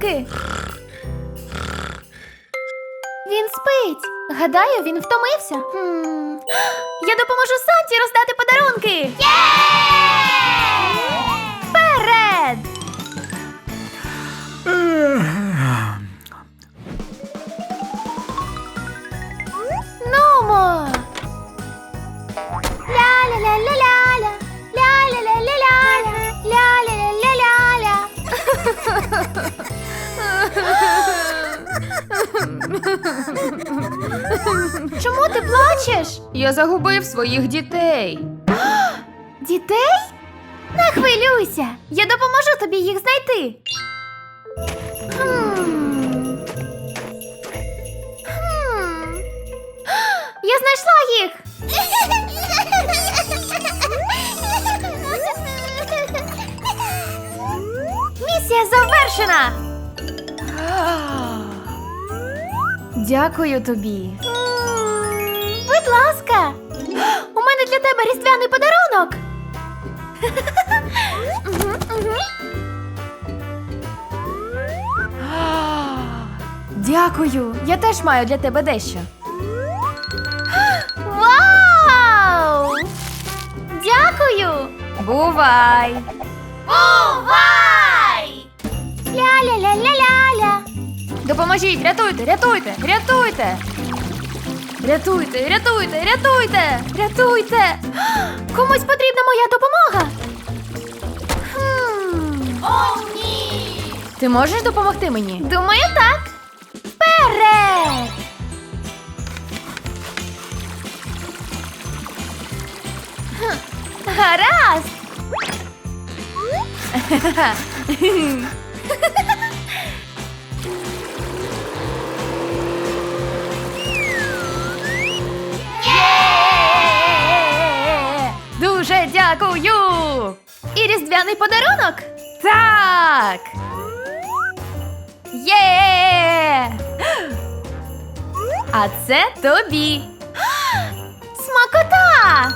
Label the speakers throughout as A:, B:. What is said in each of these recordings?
A: подарунки. Він спить. Гадаю, він втомився. Я допоможу Санті роздати подарунки. Вперед! Нумо! Ля-ля-ля-ля-ля-ля, ля-ля-ля-ля-ля, ля-ля-ля-ля-ля. Чому ти плачеш?
B: Я загубив своїх дітей.
A: Дітей? Не хвилюйся, я допоможу тобі їх знайти. Я знайшла їх. Місія завершена.
B: Дякую тобі.
A: Будь ласка. У мене для тебе різдвяний подарунок.
B: Дякую. Я теж маю для тебе дещо.
A: Вау! Дякую!
B: Бувай!
A: Бувай! Ля-ля-ля-ля-ля-ля.
B: Допоможіть, рятуйте, рятуйте, рятуйте! Рятуйте, рятуйте, рятуйте! Рятуйте!
A: Комусь потрібна моя допомога. О, ні!
B: Ти можеш допомогти мені?
A: Думаю, так. Вперед! Гаразд!
B: Дуже дякую!
A: І різдвяний подарунок?
B: Так! Є! А це тобі!
A: Смакота!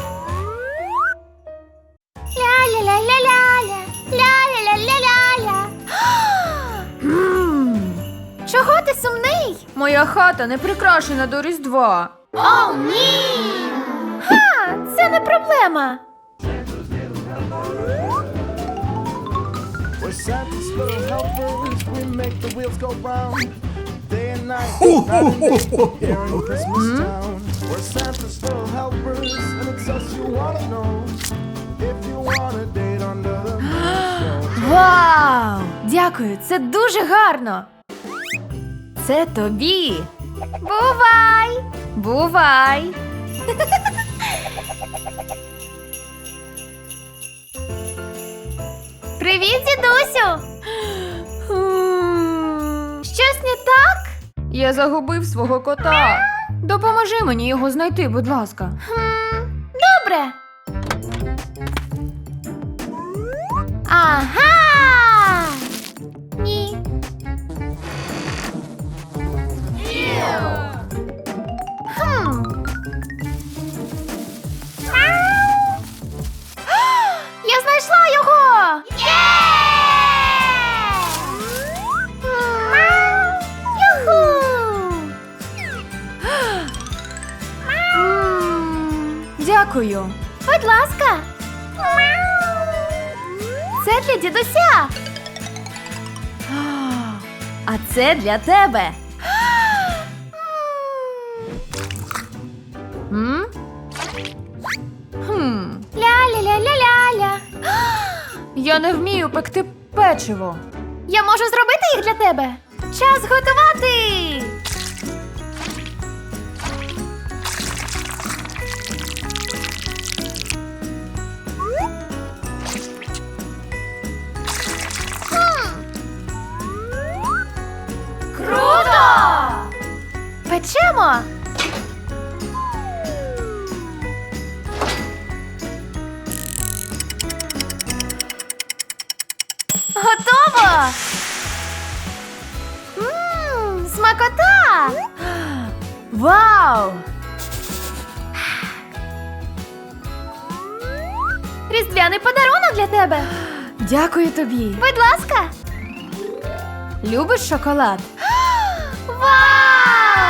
A: Ля-ля-ля-ля-ля-ля, ля-ля-ля-ля-ля-ля. Чого ти сумний?
B: Моя хата не прикрашена до Різдва.
A: О, ні! Ха, це не проблема.
C: We're Santa's little helpers, we make the wheels go round. Day and night, night and day, here in Christmas town. We're Santa's little helpers, and it's us you wanna know. If you want a date under the mistletoe.
B: Вау! Дякую, це дуже гарно! Це тобі!
A: Бувай!
B: Бувай!
A: Привіт, дідусю! Щось не так?
B: Я загубив свого кота. Допоможи мені його знайти, будь ласка.
A: Добре. Ага! Ні. Хм. Я знайшла його! Юху!
B: Дякую.
A: Будь ласка. Це для дідуся.
B: А це для тебе. М? Хм.
A: Ля-ля-ля-ля-ля-ля.
B: Я не вмію пекти печиво.
A: Я можу зробити їх для тебе. Час готувати. Круто! Печемо. Готово! Смакота!
B: Вау!
A: Різдвяний подарунок для тебе.
B: Дякую тобі.
A: Будь ласка.
B: Любиш шоколад?
A: Вау!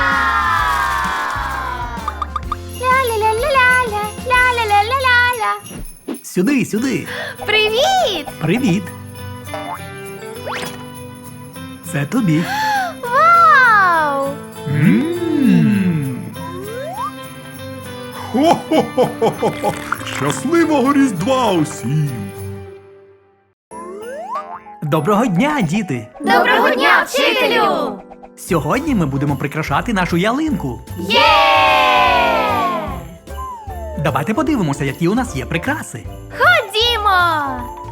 A: Ля-ля-ля-ля-ля-ля, ля-ля-ля-ля-ля-ля.
D: Сюди, сюди.
A: Привіт!
D: Привіт. Це тобі.
A: Вау!
E: Хо-хо-хо-хо-хо! Щасливого Різдва усім!
D: Доброго дня, діти!
A: Доброго дня, вчителю!
D: Сьогодні ми будемо прикрашати нашу ялинку.
A: Є!
D: Давайте подивимося, які у нас є прикраси.
A: Ходімо!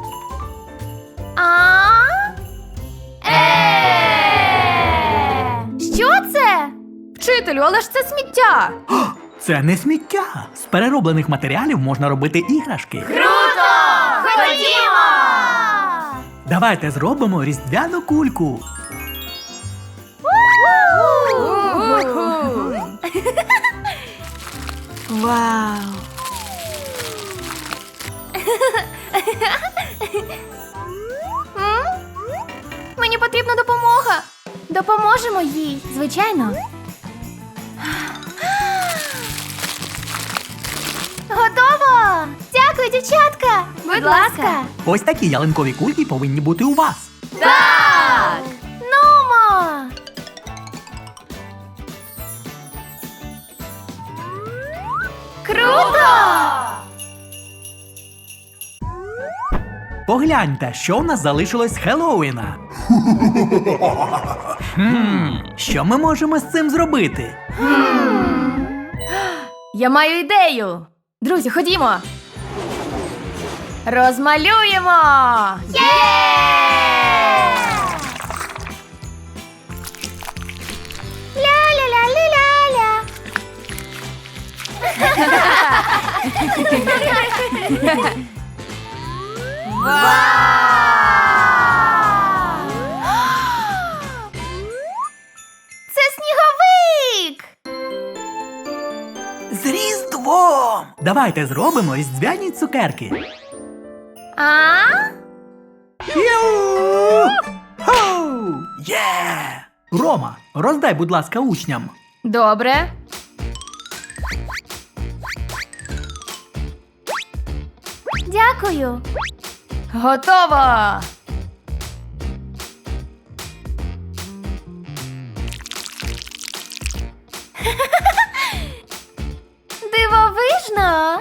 A: Що це?
B: Вчителю, але ж це сміття!
D: Це не сміття. З перероблених матеріалів можна робити іграшки.
A: Круто! Ходімо!
D: Давайте зробимо різдвяну кульку.
B: Вау!
A: Мені потрібна допомога. Допоможемо їй, звичайно. Готово! Дякую, дівчатка! Будь ласка!
D: Ось такі ялинкові кульки повинні бути у вас.
A: Так! Нумо! Круто!
D: Погляньте, що в нас залишилось з Хеллоуіна. Що ми можемо з цим зробити?
B: Я маю ідею! Друзі, ходімо! Розмалюємо!
A: Ля-ля-ля-ля-ля-ля! Це сніговик!
D: З Різдвом! Давайте зробимо різдвяні цукерки.
A: А?
D: Хоу! Є! Рома, роздай, будь ласка, учням.
B: Добре.
A: Дякую.
B: Готово!
A: Дивовижно.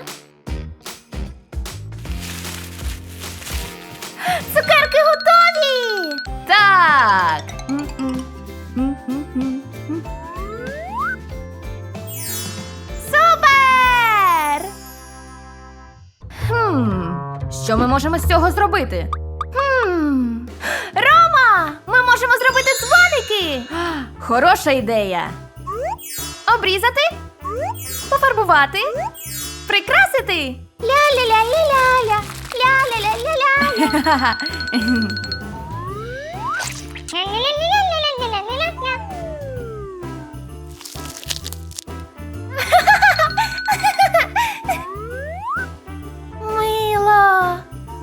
A: Цукерки готові!
B: Так!
A: Супер!
B: Що ми можемо з цього зробити?
A: Рома! Ми можемо зробити дзвоники!
B: Хороша ідея!
A: Обрізати, пофарбувати, прикрасити. Ля-ля-ля-ля-ля-ля, ля-ля-ля-ля-ля. Ля-ля-ля-ля-ля-ля-ля-ля. Мило.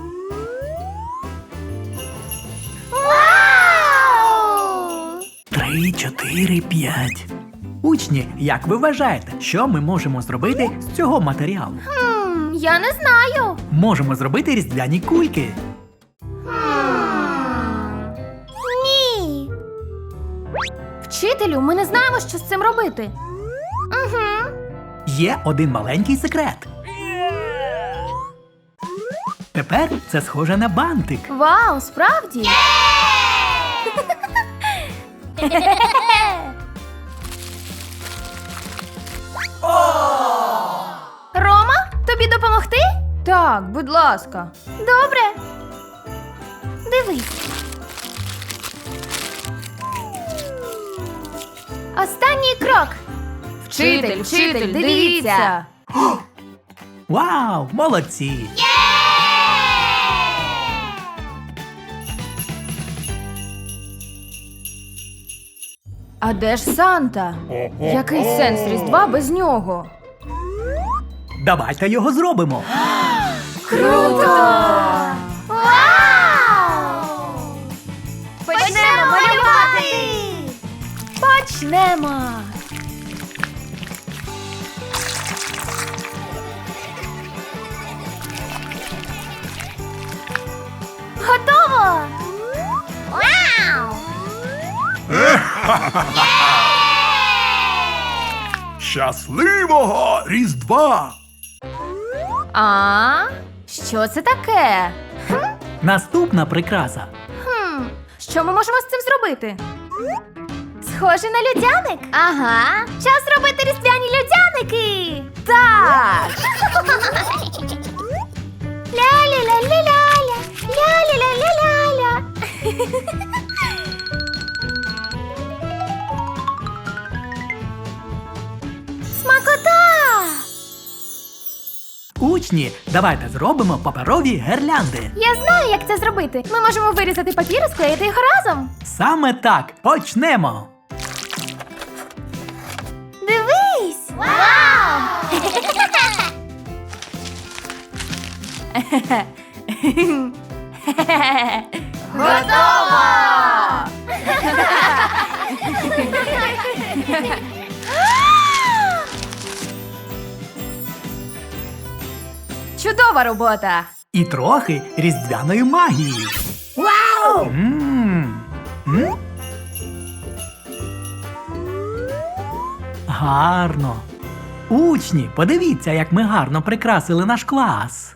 A: Вау!
D: 3, 4, 5. Учні, як ви вважаєте, що ми можемо зробити з цього матеріалу?
A: Я не знаю.
D: Можемо зробити різдвяні кульки.
A: Ні.
B: Вчителю, ми не знаємо, що з цим робити.
A: Угу.
D: Є один маленький секрет. Тепер це схоже на бантик.
B: Вау, справді?
A: Рома, тобі допомогти?
B: Так, будь ласка.
A: Добре. Дивись. Останній крок.
B: Вчитель, дивіться!
D: Вау, молодці!
B: А де ж Санта? Який сенс Різдва без нього?
D: Давайте його зробимо.
A: Круто! Вау!
B: Почнемо Почнемо.
A: Готово! Вау!
E: Щасливого Різдва!
B: А? Що це таке?
D: Наступна прикраса.
B: Що ми можемо з цим зробити?
A: Схоже на людяник.
B: Ага.
A: Час робити різдвяні людяники.
B: Так.
A: Ля-ля-ля-ля-ля-ля. Ля-ля-ля-ля-ля-ля. Смакота!
D: Учні, давайте зробимо паперові гирлянди.
A: Я знаю, як це зробити. Ми можемо вирізати папір і склеїти його разом.
D: Саме так, почнемо.
A: Дивись! Вау!
B: Готово! Чудова робота!
D: І трохи різдвяної магії.
B: Вау!
D: М. Гарно. Учні, подивіться, як ми гарно прикрасили наш клас.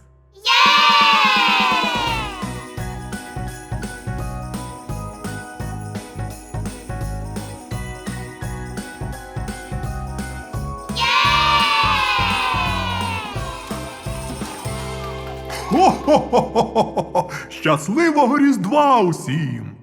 E: Хо-хо-хо-хо-хо! Щасливого Різдва усім!